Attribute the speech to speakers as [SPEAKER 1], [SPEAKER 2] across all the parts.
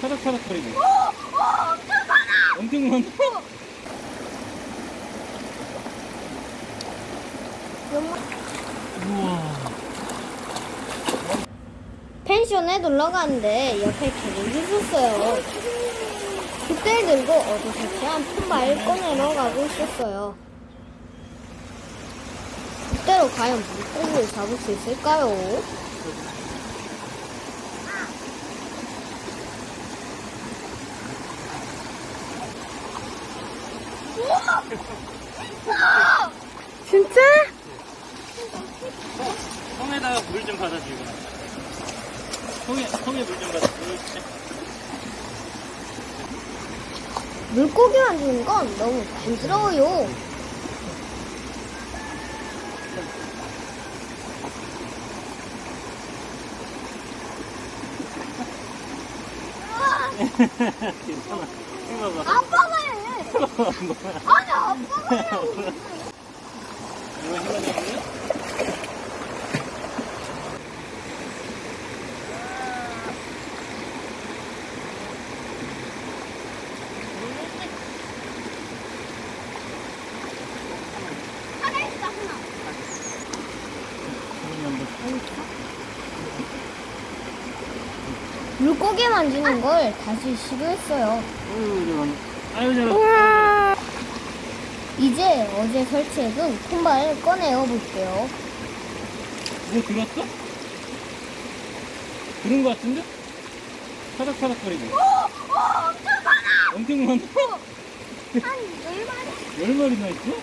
[SPEAKER 1] 타닥타닥거리고.
[SPEAKER 2] 엄청 많아.
[SPEAKER 1] 엄청 많아. 우와.
[SPEAKER 2] 펜션에 놀러 갔는데 옆에 개들이 있었어요. 그때를 들고 어제 설치한 폰바를 꺼내러 가고 있었어요. 그때로 과연 물고기를 잡을 수 있을까요?
[SPEAKER 3] 진짜?
[SPEAKER 1] 통에다가 물 좀 받아 주고. 통에 물 좀 받아. 그렇지.
[SPEAKER 2] 물고기 만지는 건 너무 간지러워요.
[SPEAKER 1] 괜찮아. 이거 봐.
[SPEAKER 2] 아빠가 해. 아니 아빠가 해.
[SPEAKER 1] 이거 힘내는
[SPEAKER 2] 하나 있어 하나. 물고기 만지는 걸 다시 시도했어요.
[SPEAKER 1] 아유, 저런.
[SPEAKER 3] 우와.
[SPEAKER 2] 이제 어제 설치해둔 폰바를 꺼내어 볼게요.
[SPEAKER 1] 뭐 들었어? 들은 거 같은데? 타닥타닥거리고.
[SPEAKER 2] 엄청 많아.
[SPEAKER 1] 엄청 많아.
[SPEAKER 2] 한 10마리?
[SPEAKER 1] 10마리나 있어?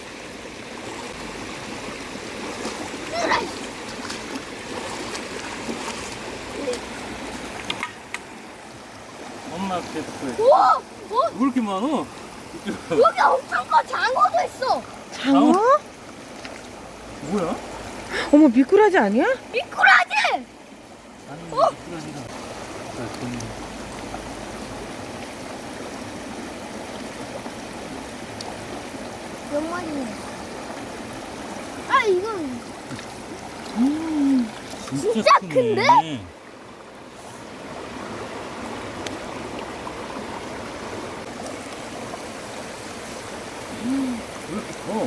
[SPEAKER 1] 엄마 앞에 붙어.
[SPEAKER 2] 우와!
[SPEAKER 1] 왜 이렇게 많아?
[SPEAKER 2] 여기 엄청 커 장어도 있어.
[SPEAKER 3] 장어?
[SPEAKER 1] 뭐야?
[SPEAKER 3] 어머, 미꾸라지 아니야?
[SPEAKER 2] 미꾸라지!
[SPEAKER 1] 아니, 미꾸라지다.
[SPEAKER 2] 몇 마리네. 아 이건 진짜
[SPEAKER 1] 크네.
[SPEAKER 2] 큰데?
[SPEAKER 1] 왜 이렇게 커?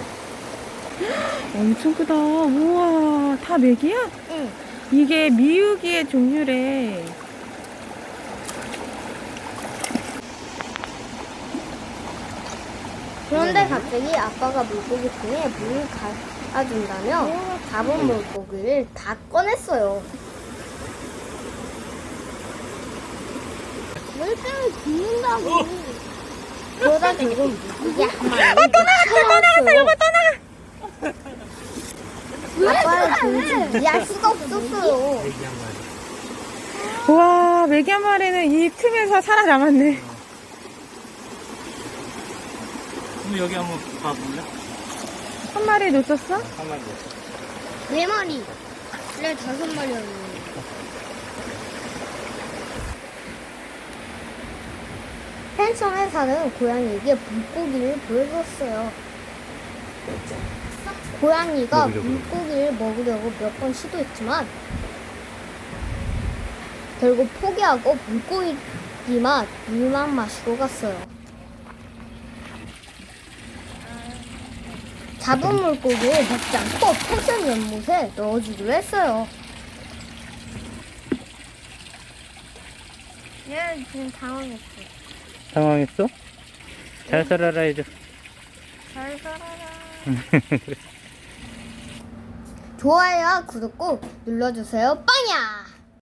[SPEAKER 3] 엄청 크다. 우와, 다 맥이야?
[SPEAKER 2] 응.
[SPEAKER 3] 이게 미유기의 종류래.
[SPEAKER 2] 그런데 갑자기 아빠가 물고기 통에 물을 갈아준다며 잡은 물고기를 다 꺼냈어요. 물병을 붓는다고. 그러다 결국 물고기 한 마리 쳐나왔어요. 아빠는 도무지 이해할 수가 없었어요.
[SPEAKER 3] 우와, 맥이 한 마리는 이 틈에서 살아남았네.
[SPEAKER 1] 그럼 여기 한번 봐볼래?
[SPEAKER 3] 한 마리 놓쳤어?
[SPEAKER 1] 한 마리.
[SPEAKER 2] 4마리. 원래 5마리였는데. 펜션에 사는 고양이에게 물고기를 보여줬어요. 고양이가
[SPEAKER 1] 먹으려고.
[SPEAKER 2] 물고기를 먹으려고 몇 번 시도했지만 결국 포기하고 물고기만 물만 마시고 갔어요. 잡은 물고기를 먹지 않고 펜션 연못에 넣어주기로 했어요. 얘 지금 당황했어.
[SPEAKER 1] 당황했어? 잘 살아라 해줘.
[SPEAKER 2] 잘 살아라. 좋아요와 구독 꼭 눌러주세요. 빵야!